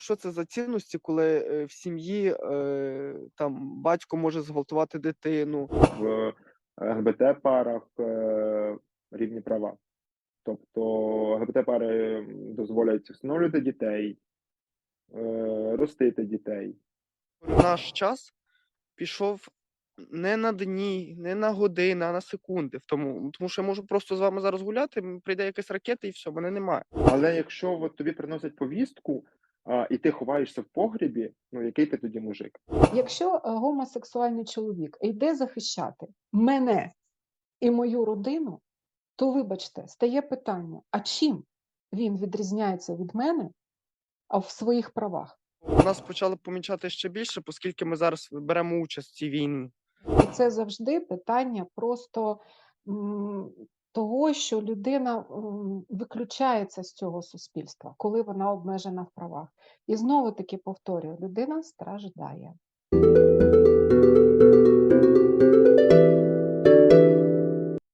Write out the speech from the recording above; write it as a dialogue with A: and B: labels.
A: Що це за цінності, коли, в сім'ї, там батько може зґвалтувати дитину?
B: В ЛГБТ-парах, рівні права. Тобто ЛГБТ-пари дозволять всиновлювати дітей, ростити дітей.
A: Наш час пішов не на дні, не на години, а на секунди. Тому що я можу просто з вами зараз гуляти, прийде якась ракета і все, мене немає.
B: Але якщо от тобі приносять повістку, і ти ховаєшся в погребі, ну який ти тоді мужик?
C: Якщо гомосексуальний чоловік йде захищати мене і мою родину, то, вибачте, стає питання: а чим він відрізняється від мене, в своїх правах?
A: Нас почали помічати ще більше, оскільки ми зараз беремо участь в цій війні.
C: І це завжди питання просто того, що людина виключається з цього суспільства, коли вона обмежена в правах. І знову таки повторюю, людина страждає.